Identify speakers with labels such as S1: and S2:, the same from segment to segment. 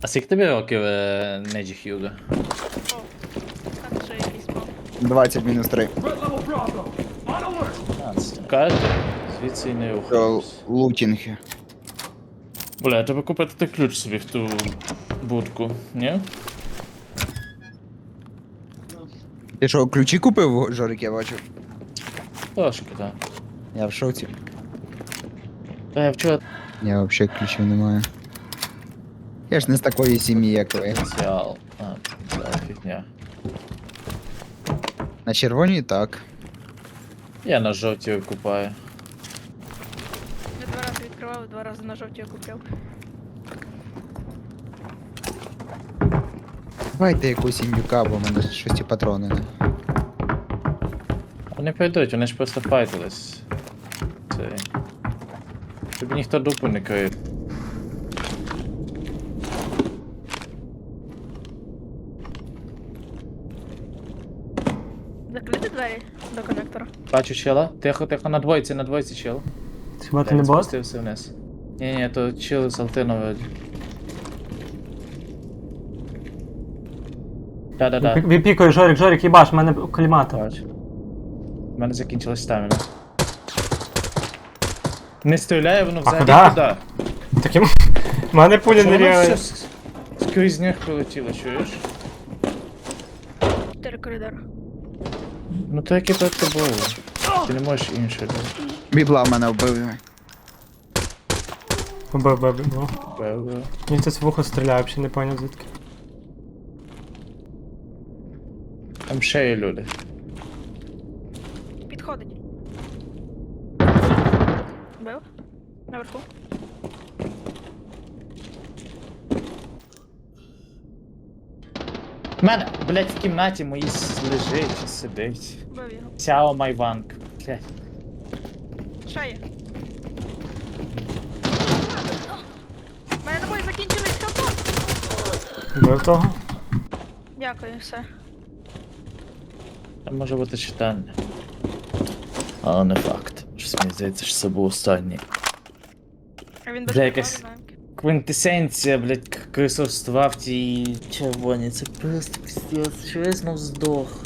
S1: А скільки тобі років, Неджі Хьюго?
S2: О, так вже якийсь мав.
S3: 20 мінус 3.
S1: 15. Карти, звідси і не
S3: Це
S1: рухаємось.
S3: лутінги.
S1: Бля, треба купити той ключ собі в ту будку, ні?
S3: Ти що, ключі купив, Жорик, я бачу?
S1: Трошки, так.
S3: Я в шоці.
S1: Та я вчора
S3: Я взагалі ключів не маю. Я ж не з такої сім'ї, як ви.
S1: потенціал. А, це фігня.
S3: На червоній так.
S1: Я на жовтій купаю.
S2: Я 2 рази відкривав, 2 рази на жовті купив.
S3: Давайте якусь індюка, бо в мене щось ті патрони не.
S1: Вони прийдуть, вони ж просто файтились. Це... Тобі ніхто дупу не криє.
S2: Закрити двері до коннектора.
S1: Бачу чела. Тихо, тихо, на двойці чел.
S4: Хіба ти не бот?
S1: Спустився вниз. Ні, то чел з Алтино вроді. Да.
S4: Віпікою, Жорик, їбаш, в мене колімата.
S1: Бачу. У мене закінчилась стаміна. Не стріляє, воно взагалі
S4: куди?
S1: туди.
S4: Таким. В мене пулі
S1: Що
S4: не
S1: воно
S4: рівень.
S1: все скрізь них прилетіло, чуєш?
S2: 4 коридори.
S1: Ну то яке перед тобою. Ти не можеш інше.
S3: Бібла в мене вбив.
S4: Б.
S1: Бе-бе.
S4: Він це з вухо стріляє, взагалі не поняв звідки.
S1: Там ще є люди.
S2: Підходить. Бив. Наверху.
S1: В мене, блять, в кімнаті моїй лежить чи сидить.
S2: Бив його.
S1: Сяо Майванг. Блять.
S2: Ще є. У мене набої закінчились, хапон.
S4: Бив того?
S2: Дякую, все.
S1: Там може бути читання. Але не факт. Щось мені здається, що це був останній.
S2: А він
S1: Бля,
S2: без
S1: якась-
S2: прикладу.
S1: Квінтесенція, блять, крисовства в тій червоній. Це просто пиздец. Що я знов здох.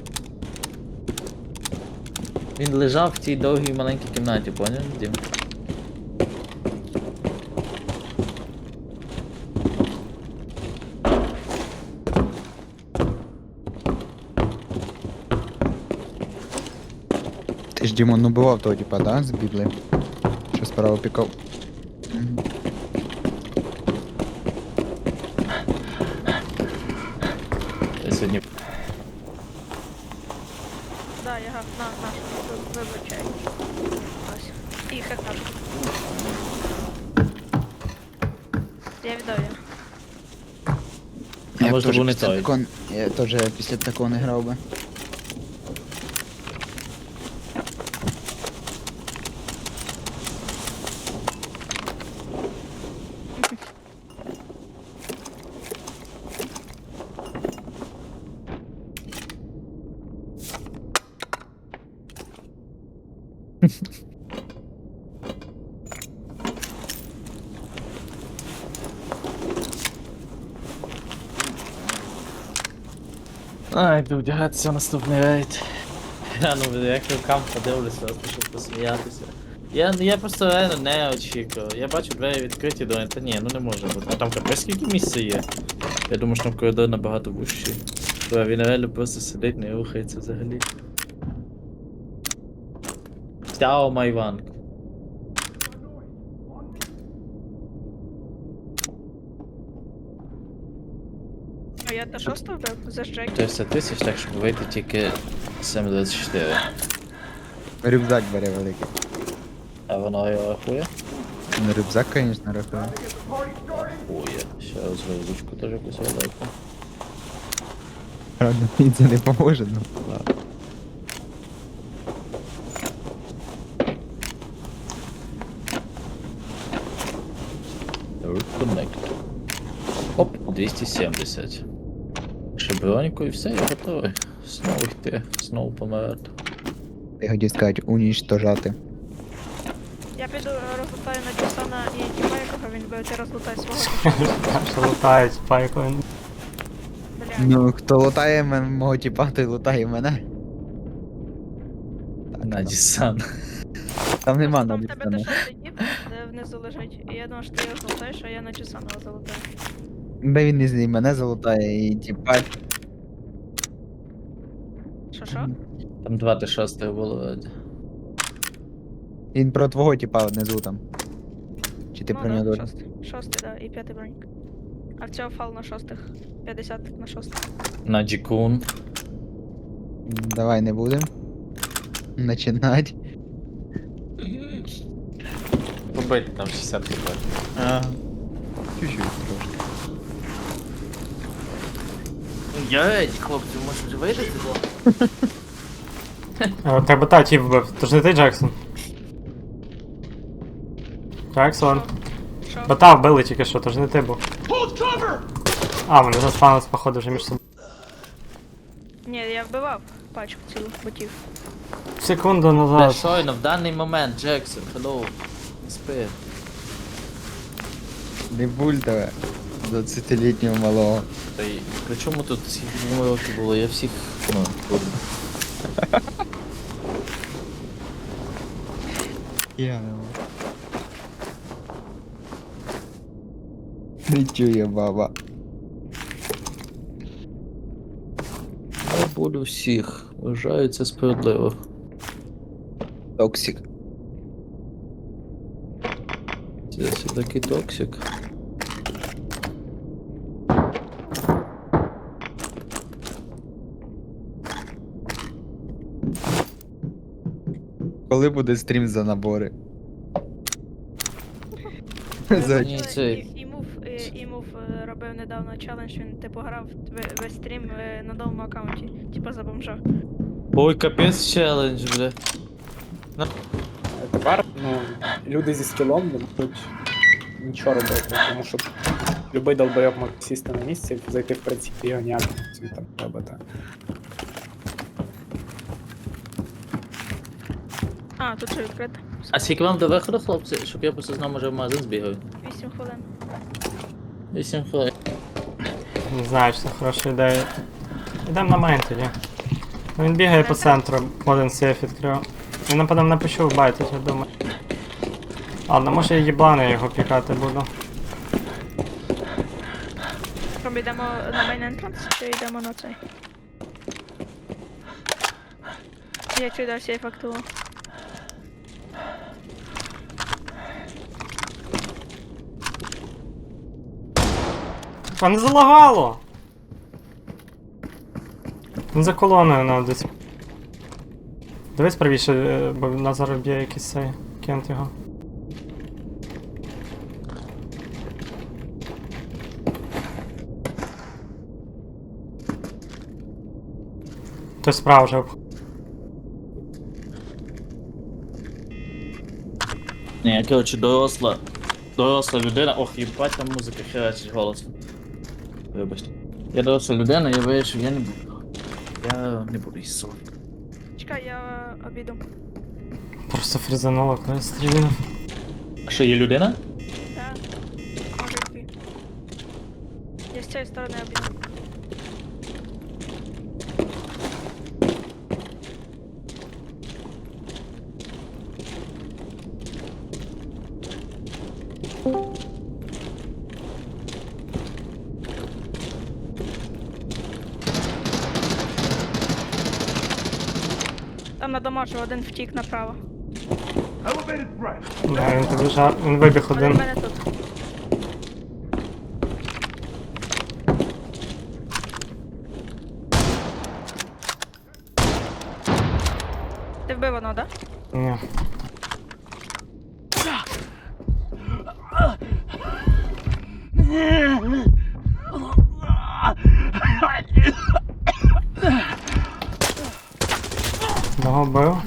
S1: Він лежав в тій довгій маленькій кімнаті, поняв, Дім?
S3: Ти ж Дімон убивав того типа, да, з Біблі? Що справа пікав. Мгм.
S1: Я сьогодні.
S2: Да, я на, вибачай. Ось. І хекашка. Я віддав її.
S1: А
S3: Я б
S1: може
S3: теж
S1: був не
S3: після
S1: той.
S3: такого- Я теж після такого не грав би.
S1: Ай, йду вдягатися в наступний рейд. Я ну як рукам подивлюся, просто щоб посміятися. Я просто реально не очікував. Я бачу двері відкриті, думаю, та ні, ну не може бути. А там капець скільки місця є. Я думаю, що там коридор набагато вущий. Бо він реально просто сидить, не рухається взагалі. Сяо Майванг.
S2: А я та шосту вбив за Джекі.
S1: 300 тисяч, так щоб вийти тільки 7,24.
S3: Рюкзак бере великий.
S1: А воно його рахує?
S3: Ну, рюкзак, звісно, рахує.
S1: Рахує. Ще раз вилучку теж якусь велику.
S3: Правда, мені це не поможе, ну ладно.
S1: Connect. Оп, 270. Ще броньку і все, я готовий. Знову йти, знову помирати.
S3: Я хотів сказати, унічтожати.
S2: Я піду розлутаю на Дюсана і Тіма, якого він бив, ти розлутай свого.
S4: Що лутають, пайку.
S2: Бля.
S3: Ну, хто лутає мого тіпа, той лутає мене.
S1: Надісан.
S3: Там нема
S2: Просто там в тебе
S3: Надісана.
S2: дешевий тіп, де внизу лежить. І я думаю, що ти його золотаєш, а я на Дюсана залутаю.
S3: Де він і мене залутає, і тіпа.
S2: Що?
S1: Там 26 було. Вроді.
S3: Він про твого тіпа внизу там. Чи ти
S2: Ну
S3: про
S2: да,
S3: нього?
S2: шостий, да, і п'ятий бронік. А в цього фал на шостих. 50 на шостих.
S1: На Джікун.
S3: Давай не будем. Начинать.
S1: Побити там 60 кп.
S3: Ага. Чуть-чуть трошки.
S1: Єть, хлопці, може вже вийдете?
S4: Тебе та тіп вбив. То ж не ти, Джексон? Джексон.
S2: Що?
S4: Бота вбили тільки що, то ж не ти був. А, вони заспавнились, походу, вже між собою.
S2: Ні, я вбивав пачку цілу ботів.
S4: Секунду
S1: Бля,
S4: назад.
S1: щойно, в даний момент, Джексон, hello. Не спи.
S3: Не буль тебе. 20-літнього малого.
S1: Та й при чому тут скільки років було? Я всіх, ну, курва.
S3: Я не чує баба.
S1: Я буду всіх. Вважаю це справедливо.
S3: Токсик.
S1: Це такий токсик.
S3: Коли буде стрім за набори? За
S1: Ні, цей.
S2: Імув робив недавно челендж, він типу грав весь стрім на новому аккаунті, типу за бомжа.
S1: Ой, капець челендж, бля.
S5: Тепер люди зі скілом не можуть нічого робити, тому що любий долбойоб може сісти на місці, зайти в принципі його ніяк не там робити.
S2: А, тут же відкрито.
S1: А скільки вам до виходу, хлопці, щоб я просто знав, може в магазин збігаю?
S2: 8 хвилин.
S1: 8 хвилин.
S4: Не знаю, чи це хороша ідея. Ідемо на мейн тоді. Ну, він бігає по центру, один сейф відкрив. Він напевно не почув байтить, я думаю. Ладно, може я їблани його пікати буду.
S2: Кrom йдемо на мейн ентранс, чи йдемо на цей? Я чую, да, сейф активував.
S4: А не залагало! Він за колоною на десь. Дивись правіше, бо на зараз б'є якийсь цей кент його. Той справа вже обходить.
S1: Ні, я, коротше, доросла людина. Ох, їбать, там музика херачить голосно. Вибачте. Я доросла людина, я вирішив, я не буду. Я не буду їсти солодко.
S2: Чекай, я обіду.
S4: Просто фрізануло, коли стрільнув.
S1: А що, є людина?
S2: Так. Може йти. Я з цієї сторони обіду. Там на домашньому один втік направо.
S4: Да, він побіжав, він вибіг
S2: Один в
S4: один.
S2: мене тут. Ти вбив одного, да?
S4: Ні. Одного вбив.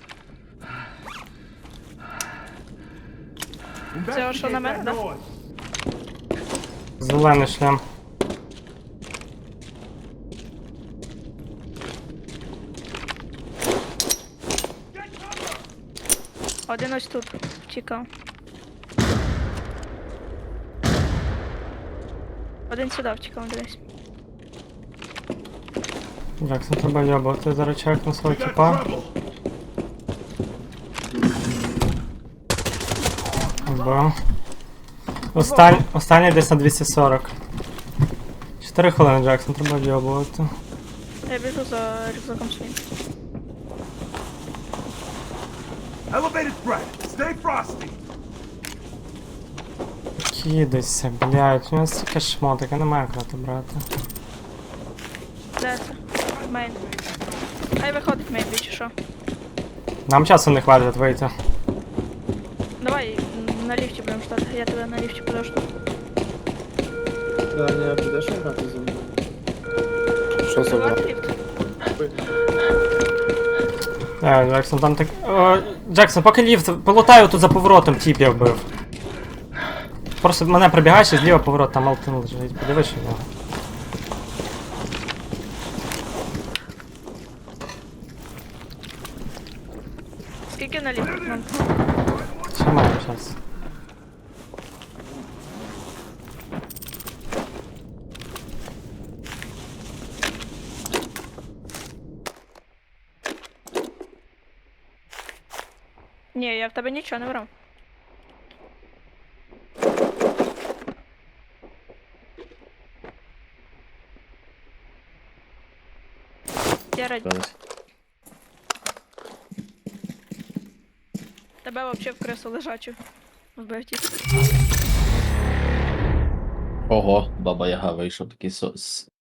S2: Це що на мене, да?
S4: Зелений шлем.
S2: Один ось тут втікав. Один сюди втікав, дивись.
S4: Джексон, треба йобувати, зараз чекну свого тіпа. Бо. Останній десь на 240. 4 хвилини, Джексон, треба йобувати.
S2: Я біжу за рюкзаком своїм.
S6: Elevated threat. Stay frosty.
S4: Кидайся, блядь, у нас стільки шмоток, я не маю крати брати.
S2: Де це? Мейн. Хай виходить мейн, чи що?
S4: Нам часу не хватить вийти.
S2: Давай на ліфті будемо ждати, я тебе на ліфті подожду.
S1: Даня, підеш грати зі мною?
S5: Що за
S2: Давай
S5: брат?
S2: ліфт.
S4: Джексон, там так. Джексон, поки ліфт, полутаю тут за поворотом, тіп я вбив. Просто мене пробігаєш і зліва поворот, там Алтин лежить. Подивись, що в нього.
S2: Скільки на ліфт? Нам?
S4: Ще маю час.
S2: Ні, я в тебе нічого не брав. Я раді. Тебе вообще в кресу лежачу. Вбив ті.
S1: Ого, баба Яга вийшов такий